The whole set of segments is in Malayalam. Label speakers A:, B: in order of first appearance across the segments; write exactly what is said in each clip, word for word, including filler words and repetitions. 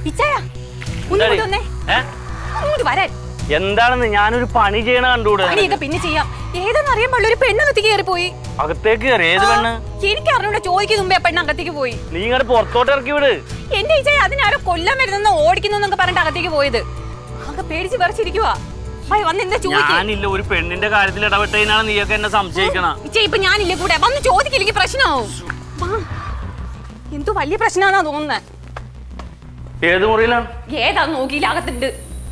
A: എന്താണെന്ന് ഞാനൊരു പണി ചെയ്യണ കണ്ടുകൂടെ?
B: പിന്നെ ചെയ്യാം. ഏതെന്ന് അറിയാൻ പാടില്ല, ഒരു പെണ്ണകത്തേക്ക് കയറി പോയി.
A: അകത്തേക്ക് കയറി? ഏത് പെണ്ണ്?
B: എനിക്ക് അറിഞ്ഞൂടെ, ചോദിക്കും മുമ്പേ പെണ്ണ് അകത്തേക്ക് പോയി.
A: നീ ഇങ്ങോട്ട് പുറത്തോട്ട് ഇറക്കി വിട്.
B: എന്റെ ഇച്ചായ അതിനാരോ കൊല്ലാൻ വരുന്ന ഓടിക്കുന്നൊക്കെ പറഞ്ഞിട്ട് അകത്തേക്ക് പോയത്. ആകെ പേടിച്ച് പറിച്ചിരിക്കുവാ.
A: ഞാനില്ല ഒരു പെണ്ണിന്റെ കാര്യത്തിൽ ഇടപെട്ടതിനാണ് നീയൊക്കെ എന്നെ സംശയിക്കണം.
B: ഇപ്പൊ ഞാനില്ല കൂടെ വന്ന് ചോദിക്കില്ലെങ്കിൽ പ്രശ്നമാവും. എന്തോ വലിയ പ്രശ്നമാണെന്നാ തോന്നുന്നത്.
A: ഏത് മുറിയിലാണ്?
B: ഏതാ നോക്കിയില്ല, അകത്തുണ്ട്.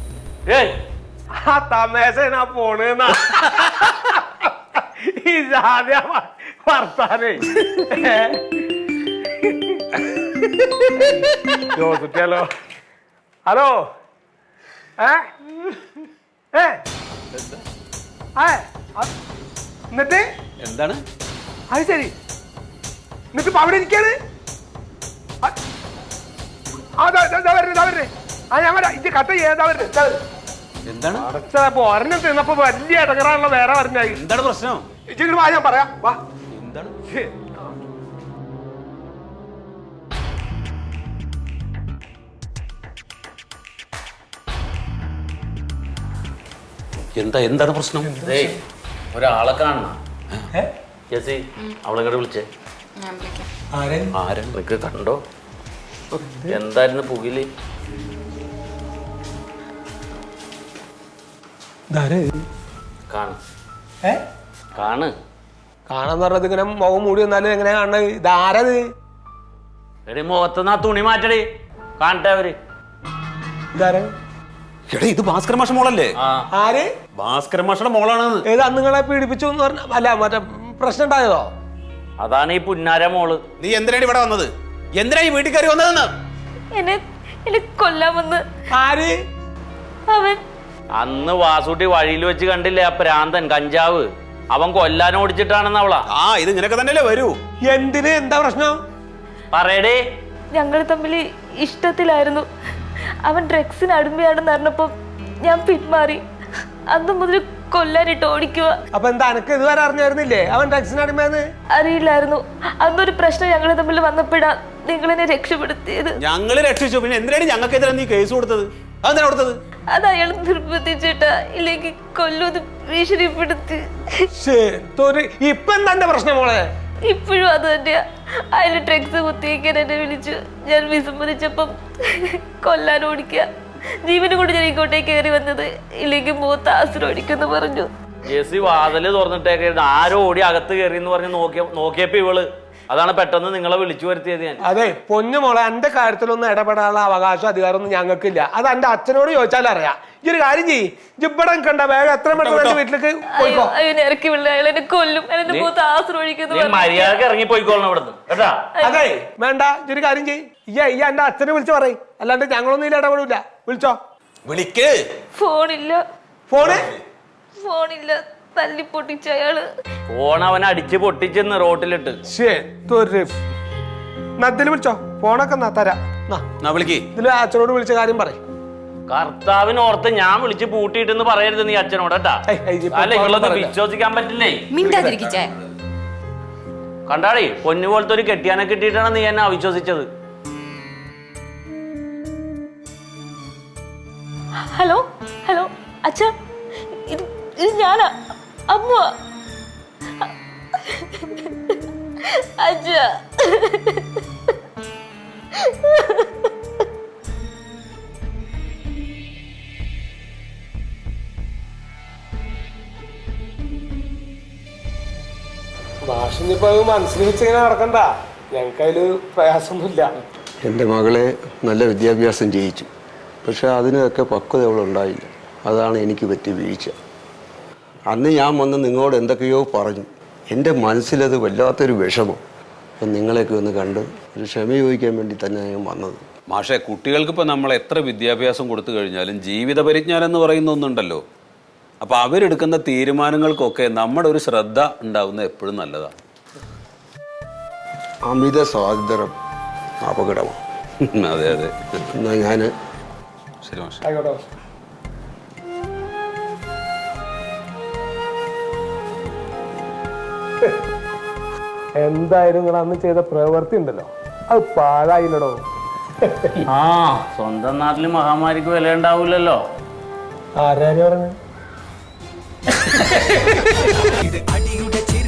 C: പോണെന്നാ വർത്താനേ ജോസുട്ടിയാലോ. ഹലോ ഏ എന്നിട്ട്
D: എന്താണ്
C: അത് ശരി. എന്നിട്ട് ഇപ്പൊ അവിടെ ഇരിക്കാണ്. ഇത് കട്ട ഏതാ വരുന്നത്?
D: എന്താണ്
C: അടച്ചപ്പോ ഒരെണ്ണം തിന്നപ്പോ വലിയ ഇടങ്ങറാണല്ലോ വേറെ പറഞ്ഞാൽ.
D: എന്താണ് പ്രശ്നം?
C: ഇച്ചിരി വാ, ഞാൻ പറയാം. വാ.
D: എന്താണ് എന്താ എന്താണ് പ്രശ്നം?
A: ഒരാളെ കാണണം. ജെസി അവളെ കൂടെ വിളിച്ചേ. ആരൊക്കെ കണ്ടോ? എന്തായിരുന്നു പുകില്? കാണ്
C: കാണാന്ന് പറഞ്ഞത് ഇങ്ങനെ മുഖം മൂടി വന്നാലും എങ്ങനെ കാണുന്നത്? ഇതാരത്?
A: എടി മുഖത്തുനിന്ന് ആ തുണി മാറ്റടി, കാണട്ടെ അവര്.
C: ഇതാര?
D: എടാ ഇത് ഭാസ്കര മാഷ മോളല്ലേ?
C: ആര്?
D: ഭാസ്കര മാഷയുടെ മോളാണ്.
C: ഏത് അന്ന് നിങ്ങളെ പീഡിപ്പിച്ചു എന്ന് പറഞ്ഞ? അല്ല മറ്റേ പ്രശ്നം ഉണ്ടായതോ?
A: അതാണ് ഈ പുന്നാര മോള്.
D: നീ എന്തിനാണ് ഇവിടെ വന്നത്? എന്തിനാ ഈ വീട്ടിൽ കയറി വന്നതെന്ന്?
B: എന്നെ എന്നെ കൊല്ലാമെന്ന്.
C: ആര്?
B: അവൻ.
A: അന്ന് വാസൂട്ടി വഴിയിൽ വെച്ച് കണ്ടില്ലേ ആ പ്രാന്തൻ കഞ്ചാവ്? അവൻ കൊല്ലാൻ ഓടിച്ചിട്ടാണെന്ന് അവളാ.
D: ആ ഇത് ഇങ്ങനെയൊക്കെ തന്നെയല്ലേ വരൂ.
C: എന്തിന്? എന്താ പ്രശ്നം?
A: പറയടേ.
E: ഞങ്ങൾ തമ്മിൽ ഇഷ്ടത്തിലായിരുന്നു. അവൻ ഡ്രഗ്സിന് അടിമയാണെന്ന് അറിഞ്ഞപ്പോ ഞാൻ പിന്മാറി. അന്ന് മുതൽ കൊല്ലാനിട്ട് ഓടിക്കുക.
C: അപ്പൊ എന്താ എനക്ക് ഇതുവരെ അറിഞ്ഞായിരുന്നില്ലേ അവൻ ഡ്രഗ്സിന് അടിമയെന്ന്?
E: അറിയില്ലായിരുന്നു. അന്നൊരു പ്രശ്നം ഞങ്ങൾ തമ്മിൽ വന്നപ്പോഴാ നിങ്ങളെന്നെ രക്ഷപ്പെടുത്തിയത്.
D: ഞങ്ങള് രക്ഷിച്ചു, പിന്നെ എന്തിനാണ് ഞങ്ങൾക്കെതിരെ നീ കേസ് കൊടുത്തത്? അതെന്താ കൊടുത്തത്?
E: അത് അയാൾ നിർബന്ധിച്ചിട്ടാ, ഇല്ലെങ്കിൽ കൊല്ലൂന്ന് ഭീഷണിപ്പെടുത്തി.
C: ഇപ്പൊ എന്താ പ്രശ്നം മോളെ?
E: ഇപ്പോഴും അത് തന്നെയാ. അതിൽ ഡ്രഗ്സ് കുത്തിയേക്കാൻ എന്നെ വിളിച്ചു. ഞാൻ വിസമ്മതിച്ചപ്പം കൊല്ലാൻ ഓടിക്കുക. ജീവനും കൊണ്ട് ഞാൻ ഇങ്ങോട്ടേക്ക് കയറി വന്നത്, ഇല്ലെങ്കിൽ മൂത്ത ആശ്രം ഓടിക്കുന്നു പറഞ്ഞു.
A: ജെസി വാതില് തുറന്നിട്ടേക്ക് ആരോ ഓടി അകത്ത് കയറി എന്ന് പറഞ്ഞ് നോക്കിയ നോക്കിയപ്പോ ഇവള്. അതാണ് പെട്ടെന്ന് നിങ്ങളെ വിളിച്ചു വരുത്തിയത് ഞാൻ.
C: അതെ പൊന്നു മോളെ, എന്റെ കാര്യത്തിലൊന്നും ഇടപെടാനുള്ള അവകാശം അധികാരമൊന്നും ഞങ്ങൾക്കില്ല. അത് എന്റെ അച്ഛനോട് ചോദിച്ചാൽ അറിയാം. ഈ ഒരു കാര്യം ചെയ്യ്, ജിബടം കണ്ട വേഗം എത്ര പെട്ടെന്ന് വീട്ടിലേക്ക് പോയിക്കോ.
E: ഇറക്കി വിളില്ല, അയാൾ എന്നെ കൊല്ലും. എന്നെ മൂത്ത ആശ്രം ഒഴിക്കുന്നു.
A: മര്യാദക്ക് ഇറങ്ങി പോയിക്കോളണം ഇവിടുന്ന് കേട്ടാ.
C: അതെ വേണ്ട, ഈ ഒരു കാര്യം ചെയ്യ്, ഈ ഈ എന്റെ അച്ഛനെ വിളിച്ചു പറയും. അല്ലാണ്ട് ഞങ്ങളൊന്നും ഇതിൽ ഇടപെടില്ല. വിളിച്ചോ.
D: വിളിക്ക്.
E: ഫോണില്ല.
C: ഫോണ്
E: ഫോണില്ല. തല്ലി പൊട്ടിച്ച അയാള്.
A: ഫോൺ അവൻ അടിച്ച് പൊട്ടിച്ചെന്ന് റോട്ടിലിട്ട്.
C: നദ്ദില് വിളിച്ചോ. ഫോണൊക്കെ തരാം. ഇതില് അച്ഛനോട് വിളിച്ച കാര്യം പറയും.
A: കർത്താവിനോർത്ത് ഞാൻ വിളിച്ച് പൂട്ടിയിട്ടെന്ന് പറയരുത് നീ അച്ഛനോട് കേട്ടാ. അല്ല ഇവളൊന്നും വിശ്വസിക്കാൻ പറ്റില്ലേ. കണ്ടാടേ പൊന്നു പോലത്തെ ഒരു കെട്ടിയാനെ കിട്ടിയിട്ടാണ് നീ എന്നെ അവിശ്വസിച്ചത്.
E: ഹലോ ഹലോ അച്ഛ, ഇത് ഇത് ഞാനാ, അമ്മ. അച്ഛ
C: ഭാഷനിപ്പോ മനസ്സിൽ വെച്ചിങ്ങനെ നടക്കണ്ട. ഞങ്ങൾക്ക് അതില് പ്രയാസമൊന്നുമില്ല.
F: എൻ്റെ മകളെ നല്ല വിദ്യാഭ്യാസം ചെയ്യിച്ചു, പക്ഷെ അതിനൊക്കെ പക്വത അവളുണ്ടായില്ല. അതാണ് എനിക്ക് പറ്റിയ വീഴ്ച. അന്ന് ഞാൻ വന്ന് നിങ്ങളോട് എന്തൊക്കെയോ പറഞ്ഞു. എൻ്റെ മനസ്സിലത് വല്ലാത്തൊരു വിഷമം. അപ്പം നിങ്ങളെയൊക്കെ ഒന്ന് കണ്ട് ഒരു ക്ഷമ ചോദിക്കാൻ വേണ്ടി തന്നെ ഞാൻ വന്നത്.
D: മാഷെ, കുട്ടികൾക്കിപ്പോൾ നമ്മൾ എത്ര വിദ്യാഭ്യാസം കൊടുത്തു കഴിഞ്ഞാലും ജീവിത പരിജ്ഞാനം എന്ന് പറയുന്ന ഒന്നുണ്ടല്ലോ. അപ്പോൾ അവരെടുക്കുന്ന തീരുമാനങ്ങൾക്കൊക്കെ നമ്മുടെ ഒരു ശ്രദ്ധ ഉണ്ടാവുന്നത് എപ്പോഴും നല്ലതാണ്.
F: അമിത സ്വാതന്ത്ര്യം അപകടമാണ്.
D: അതെ അതെ.
F: എന്നാൽ ഞാൻ
D: ശരി മാഷെ.
C: ആയിക്കോട്ടെ. എന്തായാലും നിങ്ങൾ അന്ന് ചെയ്ത പ്രവൃത്തി ഉണ്ടല്ലോ, അത് പാഴായില്ലടോ.
A: ആ സ്വന്തം നാട്ടില് മഹാമാരിക്ക് വില ഉണ്ടാവൂലല്ലോ.
C: ആരാര് പറഞ്ഞു?
G: ഇത് അടിയുടെ ചിരി